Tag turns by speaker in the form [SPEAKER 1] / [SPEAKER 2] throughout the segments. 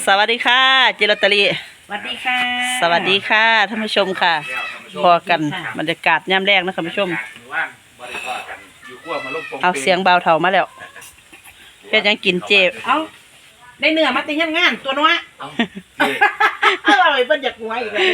[SPEAKER 1] สวัสดีค่ะเจลอตเตอรี่
[SPEAKER 2] สวัสดีค่ะ
[SPEAKER 1] สวัสดีค่ะท่านผู้ชมค่ะพอกันบรรยากาศย่ำแรกนะท่านผู้ชมเอาเสียงเบาเท่ามาแล้วเพื่อยังกินเจ
[SPEAKER 2] เอาได้เนื้อมาตีงานตัวน้อยเอาไปเป็นจากหัวอีกแล้ว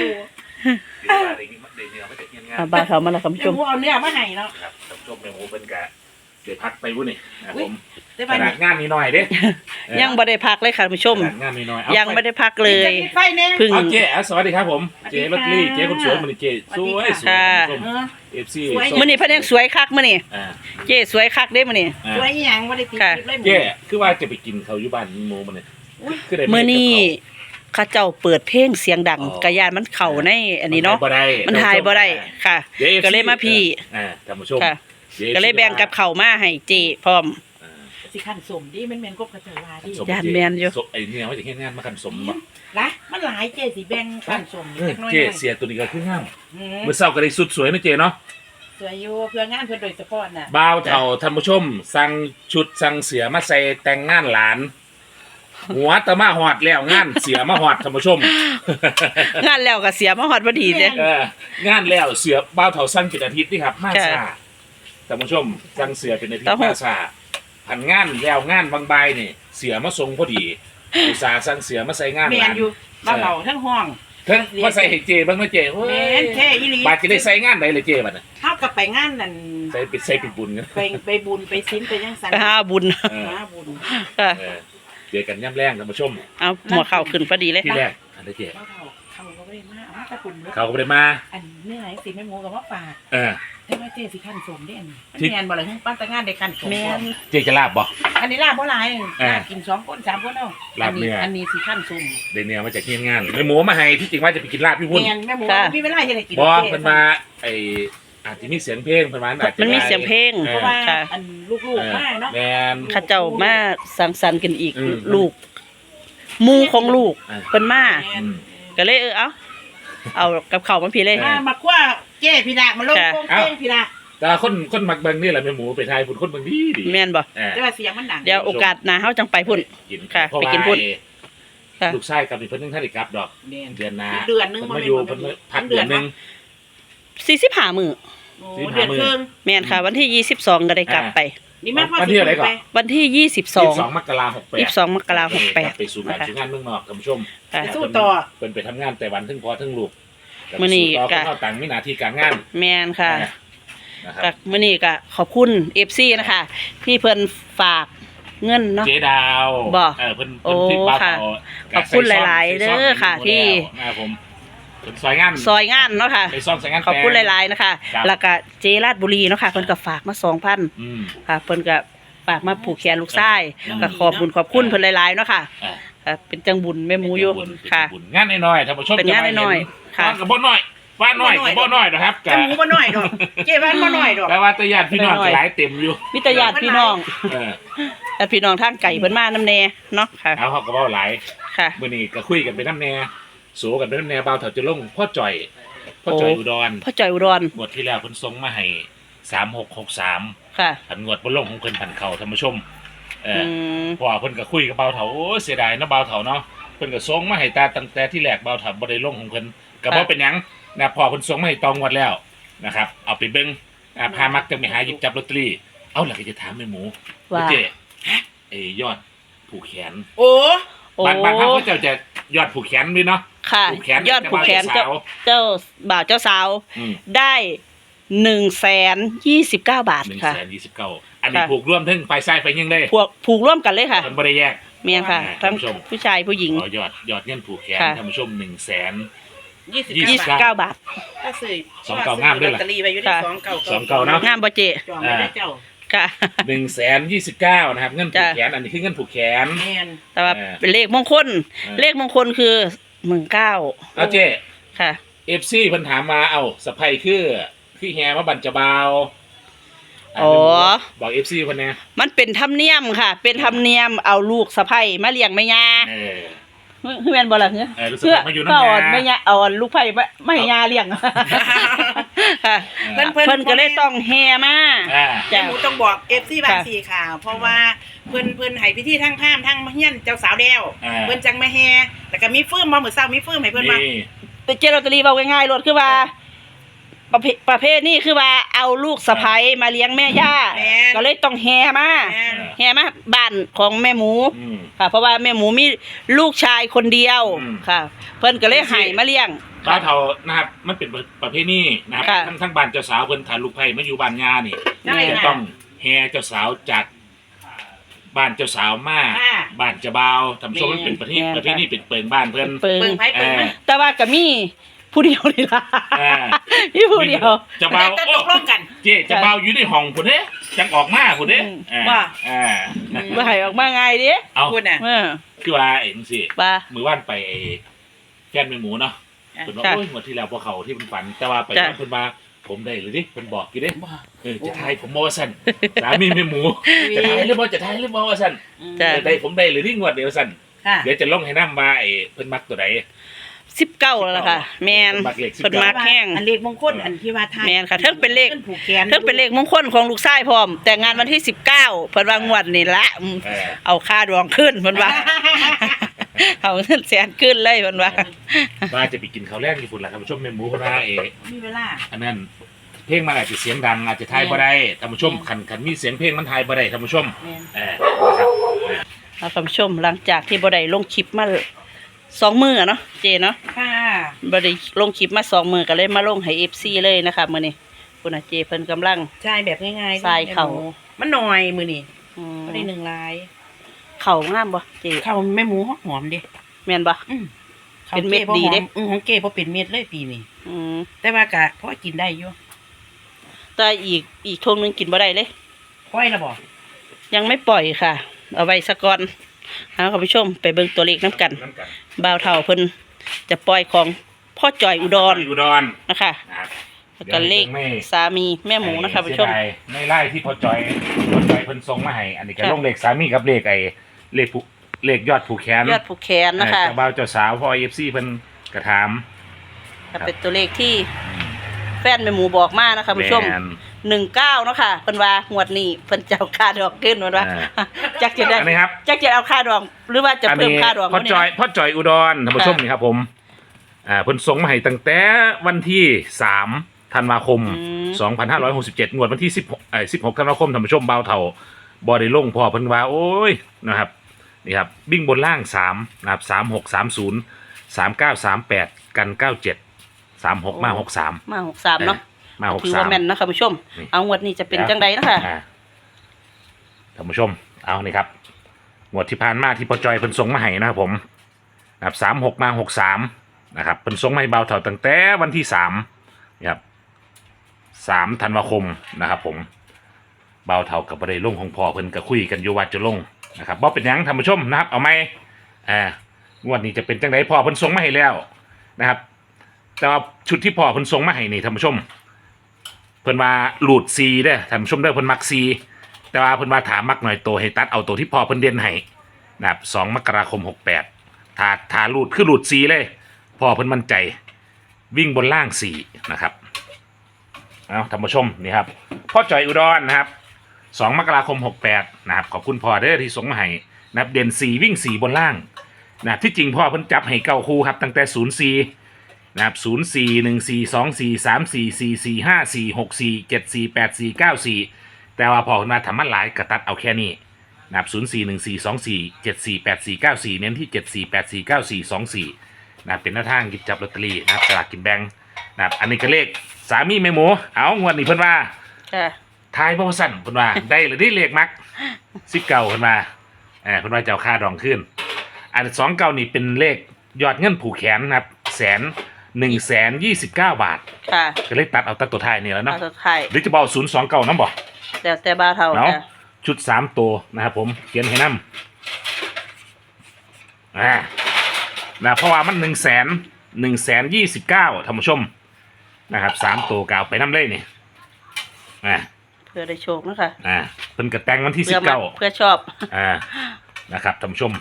[SPEAKER 1] เอาเบาเท่ามาแล้วท่านผู้ชม
[SPEAKER 2] เอาเนื้อมาให้เนาะ
[SPEAKER 3] ท่านผู้ชมในหมูเป็นกะเดี๋ยวพักไปวุ้นนี่นะผม
[SPEAKER 2] ขนาด
[SPEAKER 3] งานนี้หน่อยเด้
[SPEAKER 1] ยังไม่ได้พักเลยค่ะท่านผู้ชม
[SPEAKER 3] งานนี้หน่อย
[SPEAKER 1] ยังไม่ได้พักเลย
[SPEAKER 3] พึ่งเจ๊สวัสดีครับผมเจ๊ลอตเตอรี่เจ๊คนสวยมันเจ๊สวยสวยFC
[SPEAKER 1] มื้อนี้เพิ่นยังสวยคักมื้อนี้เจ๊สวยคักเด้มื้อนี้
[SPEAKER 2] สวยหยังบ่ได้ติดเลย
[SPEAKER 3] เจ๊คือว่าจะไปกินเขาอยู่บ้านหมูมันนี่
[SPEAKER 1] คือได้มื้อนี้ข้าเจ้าเปิดเพลงเสียงดังกะยานมันเข้าในอันนี้เนาะมันถ่ายบ่ได้ค่ะก็เลยมาพี่
[SPEAKER 3] ท่านผู้ชม
[SPEAKER 1] ก็เลยแบ่งกับข้าวมาให้เจ๊พร้อม
[SPEAKER 2] สิขันสมดิมันแม่นกบกระเจว่าดิ
[SPEAKER 1] ย่านแม่นอยู่
[SPEAKER 3] ไอ้เนี่ยว่าจะเฮ็ดงานมาขันสมบ่
[SPEAKER 2] ล่ะมันหลายเจ๊สิแบ่งขันสม
[SPEAKER 3] เล็กน้อยเจ๊เสียตัวนี้ก็คืองามมื้อเช้าก็ได้สุดสวยนะเจ๊เนาะ
[SPEAKER 2] สวยอยู่เพื่องานเพิ่นโดยเฉพาะน่ะ
[SPEAKER 3] บ่าวเฒ่าท่านผู้ชมสั่งชุดสั่งเสือมาใส่แต่งงานหลานหัวตะมาหอดแล้วงานเสียมาหอดท่านผู้ชม
[SPEAKER 1] งานแล้วก็เสียมาหอดพอดีเด้
[SPEAKER 3] งานแล้วเสือบ่าวเฒ่าสั่งเป็นอาทิตย์นี่ครับมาซ่าท่านผู้ชมสั่งเสือเป็นอาทิตย์มาซ่าผันงานแล้วงานบางใบนี่เสือมาทรงพอดีอุตส่าห์สั่งเสือมาใส่งานหลาน
[SPEAKER 2] อยู่บ้านเราทั้งห้อง
[SPEAKER 3] ทั้งมาใส่ให้เจบ้างนะเจโอ้ย
[SPEAKER 2] แค่อีหลี
[SPEAKER 3] บาดจะได้ใส่งานไหนเลยเจบัดน่ะ
[SPEAKER 2] เฮาก็ไปงานนั่น
[SPEAKER 3] ใส่ปิดบุญกัน
[SPEAKER 2] ไปบุญไปศีลไปยังสัน
[SPEAKER 1] หาบุญ
[SPEAKER 3] เจอกันย่ำแรงท่านผู้ชม
[SPEAKER 1] เอาหัวเข่าขึ้นพอดีเลย
[SPEAKER 3] ที่แรกอันนี้เจ
[SPEAKER 2] เขาก็ไม่ได้มาเอาตะกุ่น
[SPEAKER 3] เขาก็ไม่ได้มา
[SPEAKER 2] อันเนื้อไหนสิแม่หมูกับว่าปากแต่ว่าเจ๊สิขั้นสมได้อันนี้แมนบ่เลยปั้นแต่งานได้ขั้นสม
[SPEAKER 1] แมน
[SPEAKER 3] เจ๊จะลาบบ่
[SPEAKER 2] อันนี้ลาบบ่หลายกิน2 คน 3 คนเอา
[SPEAKER 3] ลาบเนื้อ
[SPEAKER 2] อันนี้สิขั้นสม
[SPEAKER 3] เดี๋ยวเนื้อมาจากที่งานแม่หมูมาให้ที่จริงว่าจะไปกินลาบพี่พุ่น
[SPEAKER 2] แม่หมูพี่ไม่ไล่ให้ได้กิน
[SPEAKER 3] บ่เพิ่นมาไออาจจะมีเสียงเพลงประมาณอาจจะ
[SPEAKER 1] มันมีเสียงเพลง
[SPEAKER 2] เพราะว่าอันลูกๆมาเนาะ
[SPEAKER 3] แม่น
[SPEAKER 1] ข้าเจ้ามาสังสรรค์กันอีกลูกมูของลูกเพิ่นมาก็เลยเอากับข้าวมาพี่เลย
[SPEAKER 2] มาคว้าเจ๊พี่ดามาลงโป่งเป้งพี่ดา
[SPEAKER 3] แต่คนมักเบิ่งนี่แหละแม่หมูไปทายพุ่นคนเบิ่งดี
[SPEAKER 1] แม่นบ่
[SPEAKER 2] แต่ว่าเสียงมันดัง
[SPEAKER 1] เดี๋ยวโอกาสหน้าเฮาจังไปพุ่นค่ะไปกินพุ่น
[SPEAKER 3] ลูกชายกับเพิ่นนึงท่านได้กลับดอกเดือนหน้า
[SPEAKER 2] เดือนนึง
[SPEAKER 3] มาอยู่เพิ่นพักเดือนนึง
[SPEAKER 1] 45มื้อ
[SPEAKER 2] เดือนครึ่ง
[SPEAKER 1] แม่นค่ะวันที่22ก็ได้กลับไป
[SPEAKER 2] นี่มา
[SPEAKER 3] วันที่อะไรก่อน
[SPEAKER 1] วันที่22
[SPEAKER 3] มกราคม
[SPEAKER 1] 22มกราคม68
[SPEAKER 3] ไปสู่งานเมืองนอกท่านผู้ชม
[SPEAKER 2] สู้ต่อ
[SPEAKER 3] เพิ่นไปทำงานแต่วันถึงพอถึงลูก
[SPEAKER 1] มื้อนี้
[SPEAKER 3] ก็เข้าต่างมีหน้าที่การงาน
[SPEAKER 1] แม่นค่ะก็มื้อนี้ก็ขอบคุณ FC นะคะที่เพิ่นฝากเงินเนาะ
[SPEAKER 3] เจดาว
[SPEAKER 1] เ
[SPEAKER 3] พิ่นที่ป้า
[SPEAKER 1] ขอบคุณหลายๆเด้อค่ะที่
[SPEAKER 3] ผมซอยง
[SPEAKER 1] านเนาะค่ะขอบคุณหลายๆนะคะแล้วก็เจราชบุรีเนาะค่ะเพิ่นก็ฝากมา 2,000 ค่ะเพิ่นก็ฝากมาผูกแขนลูกชายก็ขอบคุณเพิ่นหลายๆเนาะค่ะเป็นจังบุญแม่หมูอยู่ค่ะ
[SPEAKER 3] งานน้อยๆท่านผู้ชม
[SPEAKER 1] เป็นงานน้อยๆค่ะ
[SPEAKER 3] ก็บ่น้อยว่าน้อยก็บ่น้อยนะครับ
[SPEAKER 2] แต่หมูบ่น้อยดอกเจ๊บ้านบ่น้อยดอก
[SPEAKER 3] แต่ว่าตะญาติพี่น้องหลายเต็มอยู่
[SPEAKER 1] มีแต่ญาติพี่น้องแต่พี่น้องทางไก่เพิ่นมานำแน่เนาะค่ะ
[SPEAKER 3] เอาเฮาก็เว้าหลาย
[SPEAKER 1] ค่ะ
[SPEAKER 3] มื้อนี้ก็คุยกันไปนำแน่โสกันไปนำแน่บ่าวเฒ่าจะลงพ่อจ่อยอุดรงวดที่แล้วเพิ่นส่งมาให้3663
[SPEAKER 1] ค่ะ
[SPEAKER 3] อันงวดบ่ลงของเพิ่นพันเข้าท่านผู้ชมพอเพิ่นก็คุยกับบ่าวเฒ่าโอ้เสียดายเนาะบ่าวเฒ่าเนาะเพิ่นก็ส่งมาให้ตั้งแต่ที่แรกบ่าวเฒ่าบ่ได้ลงของเพิ่นก็บ่เป็นหยังนะพอเพิ่นส่งมาให้ตองงวดแล้วนะครับเอาไปเบิ่งพามักจะไปหาหยิบจับลอตเตอรี่เอาล่ะก็จะถามแม่หมูว่าเจ๊ยอดผูกแขน
[SPEAKER 2] โอ้
[SPEAKER 3] บ้านเฮาก็จะยอดผูกแขนด้วยเนาะ
[SPEAKER 1] ค่ะยอดผูกแขนเจ้าบ่าวเจ้าสาวได้129 บาทค่ะ
[SPEAKER 3] 129อันนี้ผูกร่วมทั้งฝ่ายชายฝ่ายหญิงได้
[SPEAKER 1] ผูกร่วมกันเลยค่ะ
[SPEAKER 3] มันบ่ได้แยก
[SPEAKER 1] แม่นค่ะทั้งผู้ชายผู้หญิง
[SPEAKER 3] ยอดเงินผูกแขนท่านผู้ชม
[SPEAKER 1] 129 บาท
[SPEAKER 2] ก็ซื้อ
[SPEAKER 3] 29งามด้วยล่ะ29เนาะ
[SPEAKER 1] งามบ่เจ๊ค่ะ
[SPEAKER 3] 129นะครับเงินผูกแขนอันนี้คือเงินผูกแขน
[SPEAKER 1] แต่ว่าเป็นเลขมงคลคือ19
[SPEAKER 3] เอาเจ๊
[SPEAKER 1] ค่ะ
[SPEAKER 3] FC เพิ่นถามมาสะใภ้คือแฮมาบั่นจะบ่าวบอก FC เพิ่นแน่
[SPEAKER 1] มันเป็นธรรมเนียมค่ะเป็นธรรมเนียมเอาลูกสะใภ้มาเลี้ยงแม่ย่าแม่นบ่ล่ะ
[SPEAKER 3] เพื่อมาอยู่นำแม่
[SPEAKER 1] ย่าเอาลูกไผ่ไม่ย่าเลี้ยงค่ะ
[SPEAKER 2] เพิ่น
[SPEAKER 1] เพิ่นก็เลยต้องแห่มา
[SPEAKER 3] อ่า
[SPEAKER 2] แม่หมูต้องบอก FC บาง
[SPEAKER 1] ค่ะ
[SPEAKER 2] สีข่าว เพราะว่าเพิ่นให้พิธีทั้งพราหมณ์ทั้งเฮียนเจ้าสาวแล้ว
[SPEAKER 3] อ่า
[SPEAKER 2] เพิ่นจังมาแห่แล้วก็มีฟืมมามื้อเช้ามีฟืมให้เพิ่นมา
[SPEAKER 3] นี่
[SPEAKER 1] แต่เจลอตเตอรี่เว้าง่ายๆรถคือว่าประเภทนี้คือว่าเอาลูกสะใภ้มาเลี้ยงแม่ย่า
[SPEAKER 2] แม่น
[SPEAKER 1] ก็เลยต้องแห่มา
[SPEAKER 2] แม่น
[SPEAKER 1] แห่มาบ้านของแม่หมู
[SPEAKER 3] อืม
[SPEAKER 1] ค่ะ เพราะว่าแม่หมูมีลูกชายคนเดียว
[SPEAKER 3] อืม
[SPEAKER 1] ค่ะ เพิ่นก็เลยให้มาเลี้ยง
[SPEAKER 3] บ้านเฒ่านะครับมันเป็นประเพณีนะครับ
[SPEAKER 1] ค่ะ
[SPEAKER 3] ทั้งบ้านเจ้าสาวเพิ่นถ่ายลูกไผ่มาอยู่บ้านย่านี่
[SPEAKER 2] ใช่
[SPEAKER 3] จะ
[SPEAKER 2] ค่ะ
[SPEAKER 3] ต้องแห่เจ้าสาวจากบ้านเจ้าสาวมา
[SPEAKER 2] ค่ะ
[SPEAKER 3] บ้านเจ้าบ่าวทำโชว์มันเป็นประเพณีเป็นเปิงบ้านเพิ่น
[SPEAKER 1] เปิง
[SPEAKER 2] เบิ่งไผเบิ่งมัน
[SPEAKER 1] แต่ว่าก็มีผู้เดียวนี่ล่ะ
[SPEAKER 3] อ่า
[SPEAKER 1] มีผู้เดียว
[SPEAKER 3] เจ้าบ่าว
[SPEAKER 2] แต่
[SPEAKER 3] โอ้
[SPEAKER 2] ตกลงกัน
[SPEAKER 3] เจ๊เจ้าบ่าวอยู่ในห้องพุ่นเด้จังออกมาพุ่นเด้
[SPEAKER 2] ว่า
[SPEAKER 3] อ่า
[SPEAKER 1] บ่ให้ออกมาง่ายเด้
[SPEAKER 3] เอา
[SPEAKER 2] พูดน่ะ
[SPEAKER 1] เออ
[SPEAKER 3] คือว่าเอ็นสิ
[SPEAKER 1] ว่า
[SPEAKER 3] มือว่านไปแฟนแม่หมูเนาะ
[SPEAKER 2] อ่ะ
[SPEAKER 3] เพิ่นว่า
[SPEAKER 1] ค่ะ
[SPEAKER 3] โอ้ยงวดที่แล้วพวกเขาที่เพิ่นฝัน แต่ว่าไป
[SPEAKER 1] จ้ะ
[SPEAKER 3] เพิ่นมาผมได้หรือดิเพิ่นบอกกี่เด้
[SPEAKER 2] บ่
[SPEAKER 3] จะทายผมบ่ว่าซั่นสามีแม่หมูจะทายหรือบ่จะทายหรือบ่ว่าซั่น
[SPEAKER 1] จ้ะ
[SPEAKER 3] ได้ผมได้หรือที่งวดเดียวซั่น
[SPEAKER 2] ค่ะ
[SPEAKER 3] เดี๋ยวจะลงให้นำว่าไอ้เพิ่นมักตัวใด
[SPEAKER 1] 19แล้วล่ะค่ะ แม่น
[SPEAKER 3] เพิ่นมักเลข
[SPEAKER 1] เพิ่นมัก แห้ง
[SPEAKER 2] อันเลขมงคลอันที่ว่าทาย
[SPEAKER 1] แม่นค่ะเทิงเป็นเลข
[SPEAKER 2] ผูกแขน
[SPEAKER 1] เพิ่นเป็นเลขมงคลของลูกชายพร้อม แต่งงานวันที่19เพิ่นว่างวดนี่ละเอาค่าดวงขึ้นเพิ่นว่า เอาเงินแสนขึ้นเลยเพิ่นว่า
[SPEAKER 3] ว่าจะไปกินข้าวแรกญี่ปุ่นล่ะท่านผู้ชมแม่หมูเพิ่นว่า
[SPEAKER 2] มีเวลา
[SPEAKER 3] อันนั้นเพลงมันอาจจะเสียงดังอาจจะทายบ่ได้ท่านผู้ชมคันมีเสียงเพลงมันทายบ่ได้ท่านผู้ชม
[SPEAKER 2] แม่น
[SPEAKER 3] นะครับ
[SPEAKER 1] เอาคุณผู้ชมหลังจากที่บ่ได้ลงคลิปมา2 มื้อเนาะเจเนาะ
[SPEAKER 2] ค่ะ
[SPEAKER 1] บ่ได้ลงคลิปมา2 มื้อก็เลยมาลงให้ FC เลยนะคะมื้อนี้คุณอาเจเพิ่นกำลัง
[SPEAKER 2] ใช่แบบง่ายๆ
[SPEAKER 1] ทรายเข่า
[SPEAKER 2] มันหน่อยมือนี่
[SPEAKER 1] อืม
[SPEAKER 2] บ่ได้หนึ่งลาย
[SPEAKER 1] เข้างามบ่เจ
[SPEAKER 2] ข้าวแม่หมูหอมเด้
[SPEAKER 1] แม่นบ่ เป็นเม็ดดีเด้
[SPEAKER 2] ของเก๋บ่เป็นเม็ดเลยปีนี้
[SPEAKER 1] อืม
[SPEAKER 2] แต่ว่าก็พอกินได้อยู่
[SPEAKER 1] แต่อีกทงนึงกินบ่ได้เลย
[SPEAKER 2] ปล่อยแล้วบ่
[SPEAKER 1] ยังไม่ปล่อยค่ะ เอาไว้ซะก่อนเอาคุณผู้ชมไปเบิ่งตัวเลขน้ำกัน
[SPEAKER 3] น้ำกัน
[SPEAKER 1] บ่าวเฒ่าเพิ่นจะปล่อยของพ่อจอยอุดร
[SPEAKER 3] อุดร
[SPEAKER 1] นะคะ
[SPEAKER 3] นะครับ
[SPEAKER 1] แล้วก็เลขสามีแม่หมูนะคะคุณผู้ชม
[SPEAKER 3] เสียดายในไล่ที่พอจอยเพิ่นส่งมาให้อันนี้ก็
[SPEAKER 1] ค่ะ
[SPEAKER 3] ลงเลขสามีกับเลขเลขยอดผูกแขน
[SPEAKER 1] ยอดผูกแขนนะคะ
[SPEAKER 3] เจ้าบ่าวเจ้าสาวพ่อ FC เพิ่นกระถาม
[SPEAKER 1] ก็เป็นตัวเลขที่แฟนแม่หมูบอกมานะคะคุณผู้ชม
[SPEAKER 3] แม่น
[SPEAKER 1] 19เนาะค่ะเพิ่นว่างวดนี้เพิ่นจะเอาค่าดอกขึ้นเพิ่นว่า
[SPEAKER 3] อ่า
[SPEAKER 1] จักจะได้
[SPEAKER 3] อันนี้ครับ
[SPEAKER 1] จักจะเอาค่าดอกหรือว่าจะเพิ่มค่าดอก
[SPEAKER 3] พ่อ
[SPEAKER 1] วะเนี่
[SPEAKER 3] จอยพ่อจอยอุดรท่านผู้ชมนี่ครับผมเพิ่นส่งมาให้ตั้งแต่วันที่3ธันวาคม 2567งวดวันที่16ธันวาคมท่านผู้ชมบ่าวเฒ่าบ่ได้ลงพอเพิ่นว่าโอ้ยนะครับนี่ครับวิ่งบนล่าง3นะครับ3630 3938กัน97 36มา63
[SPEAKER 1] มา63เนาะ
[SPEAKER 3] มา
[SPEAKER 1] ถือว่าแม่นนะคะคุณผู้ชม
[SPEAKER 3] นี่
[SPEAKER 1] เอางวดนี้จะเป็นจังไดเนาะค่ะ
[SPEAKER 3] ท่านผู้ชมเอานี่ครับงวดที่ผ่านมาที่พ่อจอยเพิ่นส่งมาให้นะครับผมนะครับ36มา63นะครับเพิ่นส่งมาให้บ่าวเฒ่าตั้งแต่วันที่3นะครับ3ธันวาคมนะครับผมบ่าวเฒ่ากับบ่ได้ลงของพ่อเพิ่นก็คุยกันอยู่ว่าจะลงนะครับบ่เป็นหยังท่านผู้ชมนะครับเอาไหมงวดนี้จะเป็นจังไดพ่อเพิ่นส่งมาให้แล้วนะครับแต่ว่าชุดที่พ่อเพิ่นส่งมาให้นี่ท่านผู้ชมเพิ่นว่าหลุดซีเด้อท่านผู้ชมเด้อเพิ่นมักซีแต่ว่าเพิ่นว่าถามมักหน่อยโตให้ตัดเอาตัวที่พ่อเพิ่นเด่นให้นะครับ2มกราคม68ถ้าหลุดคือหลุดซีเลยพ่อเพิ่นมั่นใจวิ่งบนล่าง4นะครับเอาท่านผู้ชมนี่ครับพ่อจอยอุดรนะครับ2มกราคม68นะครับขอบคุณพ่อเด้อที่ส่งมาให้นะครับเด่น4วิ่ง4บนล่างนะครับที่จริงพ่อเพิ่นจับให้9คู่ครับตั้งแต่04นะครับ0414244454546474849494แต่ว่าพอขึ้นมาทำมันหลายกระตัดเอาแค่นี้นะครับ041424748494เน้นที่74849424นะครับเป็นหน้าทางหยิบจับลอตเตอรี่นะครับสลากกินแบ่งนะครับอันนี้ก็เลขสามีแม่หมูเอางวดนี้เพิ่นว่า
[SPEAKER 1] จ้ะ
[SPEAKER 3] ทายบ่สั่นเพิ่นว่า ได้หรือได้เลขมัก19เพิ่นว่าเพิ่นว่าจะเอาค่าดองขึ้นอัน29นี่เป็นเลขยอดเงินผูกแขนนะครับ129 บาท
[SPEAKER 1] ค่ะ
[SPEAKER 3] ก็เลยตัดเอาตัดตัวท้ายนี่แล้วเนาะ
[SPEAKER 1] เอาสุดท้าย
[SPEAKER 3] หรือจะบอก029นำบ่
[SPEAKER 1] แต่บ่าวเฒ่า
[SPEAKER 3] เนาะ
[SPEAKER 1] จ้ะ
[SPEAKER 3] ชุด3ตัวนะครับผมเขียนให้นำนะเพราะว่ามัน129,029ท่านผู้ชมนะครับ3ตัวกเอาไปนำเลยนี่
[SPEAKER 1] เพื่อได้โชคเนาะค่ะ
[SPEAKER 3] เพิ่นก็แต่งวันที่
[SPEAKER 1] เพื่อมัก
[SPEAKER 3] 19
[SPEAKER 1] เพื่อชอบ
[SPEAKER 3] นะครับท่านผู้ชม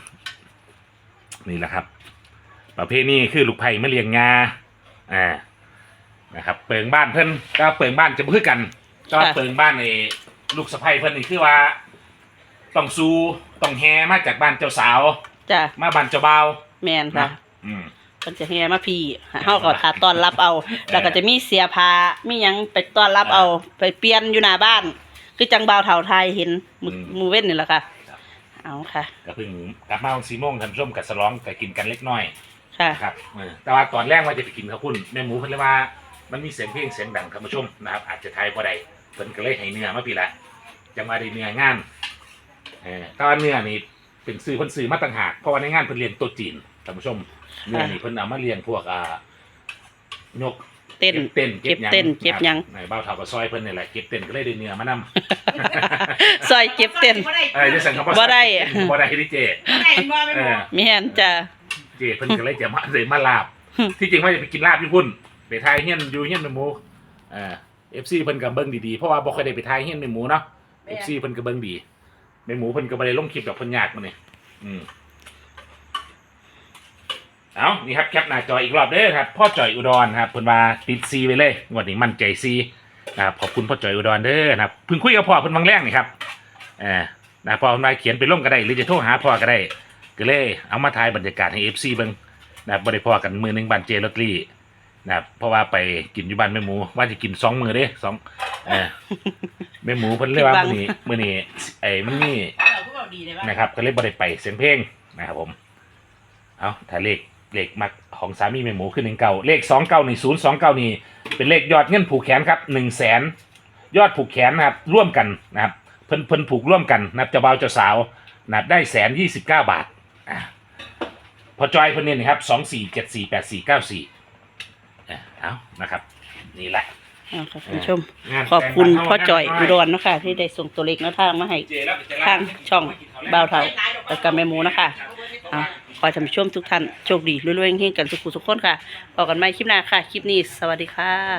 [SPEAKER 3] นี่แหละครับประเภทนี้คือลูกไผ่มะเรียงงานะครับเปิงบ้านเพิ่นก็เปิงบ้านจะบ่คือกันก็เปิงบ้านไอ้ลูกสะใภ้เพิ่นนี่คือว่าต้องสู้ต้องแห่มาจากบ้านเจ้าสาว
[SPEAKER 1] จ้ะ
[SPEAKER 3] มาบ้านเจ้าบ่าว
[SPEAKER 1] แม่นค่ะ
[SPEAKER 3] นะอืม
[SPEAKER 1] เพิ่นจะแห่มาพี่เฮาก็ถ้าต้อนรับเอา แล้วก็จะมีเสียผ้ามีหยังไปต้อนรับเอาไปเปลี่ยนอยู่หน้าบ้าน คือจังบ่าวเฒ่าไทยเห็นมือเว้นนี่แหละค่ะเอาค่ะ
[SPEAKER 3] ก็เพิ่งกลับมาวัน4 โมงท่านผู้ชมกับสลองก็กินกันเล็กน้อย
[SPEAKER 1] ค่ะ
[SPEAKER 3] ครับแต่ว่าตอนแรกว่าจะไปกินข้าวปุ้นแม่หมูเพิ่นเลยว่ามันมีเสียงเพลงเสียงดังท่านผู้ชมนะครับอาจจะทายบ่ได้เพิ่นก็เลยให้เนื้อมาพี่ละจังว่าได้เนื้องานแต่ว่าเนื้อนี่เป็นซื้อเพิ่นซื้อมาต่างหากเพราะว่าในงานเพิ่นเรียนโต๊ะจีนท่านผู้ชมเนื้อนี่เพิ่นเอามาเลี้ยงพวกนก
[SPEAKER 1] เต้น
[SPEAKER 3] เก็บ
[SPEAKER 1] เต้นเก็บหยัง
[SPEAKER 3] ในบ้าวเฒ่าก็ซอยเพิ่นนี่แหละเก็บเต้นก็เลยได้เนื้อมานำ
[SPEAKER 1] ซอยเก็บเต้น
[SPEAKER 3] จะสั่งคำว่า
[SPEAKER 1] บ่ได้
[SPEAKER 3] บ่ได้ที่เจ
[SPEAKER 2] บ่ได้บ่แม่หมู
[SPEAKER 1] แม่นจ้ะ
[SPEAKER 3] เจเพิ่นก็เลยจะมาลาบ ที่จริงว่าจะไปกินลาบญี่ปุ่นไปทายเฮียนอยู่เฮียนแม่หมูFC เพิ่นก็เบิ่งดีๆเพราะว่าบ่ค่อยได้ไปทายเฮียนแม่หมูเนาะ FC เพิ่นก็เบิ่งดีแม่หมูเพิ่นก็บ่ได้ลงคลิปดอกเพิ่นยากมื้อนี้เอานี่ครับแคปหน้าจออีกรอบเด้อครับพ่อจ่อยอุดรครับเพิ่นว่าติดซีไปเลยงวดนี้มั่นใจซีนะครับขอบคุณพ่อจ่อยอุดรเด้อนะครับเพิ่งคุยกับพ่อเพิ่นวังแรงนี่ครับนะพ่อเพิ่นว่าเขียนไปลงก็ได้หรือจะโทรหาพ่อก็ได้ก็เลยเอามาถ่ายบรรยากาศให้ FC เบิ่งนะครับบ่ได้พอกันมื้อนึงบ้านเจลอตเตอรี่นะครับเพราะว่าไปกินอยู่บ้านแม่หมูว่าจะกิน2 มื้อเด้แม่หมูเพิ่นเลยว่ามื้อนี้มันมี
[SPEAKER 2] เราก็บอกดีเลยว่า
[SPEAKER 3] นะครับก็เลยบ่ได้ไปเสียงเพลงนะครับผมเอาถ้าเลขมักของสามีแม่หมูคือ19เลข29นี่029นี่เป็นเลขยอดเงินผูกแขนครับ100,000ยอดผูกแขนนะครับร่วมกันนะครับเพิ่นผูกร่วมกันนะครับเจ้าบ่าวเจ้าสาวนะครับได้129 บาทพอจอยเพิ่นเนี่ยนะครับ24748494เอานะครับนี่แหละ
[SPEAKER 1] เอาค่ะคุณผู้ชม ขอบคุณพ่อจ่อยอุดรเนาะค่ะที่ได้ส่งตัวเลขแนวทางมาให้ทางช่องบ่าวเฒ่าแล้วก็แม่หมูนะคะเอาขอให้ท่านผู้ชมทุกท่านโชคดีรวยๆเฮงๆกันทุกคนค่ะพบกันใหม่คลิปหน้าค่ะ คลิปนี้สวัสดีค่ะ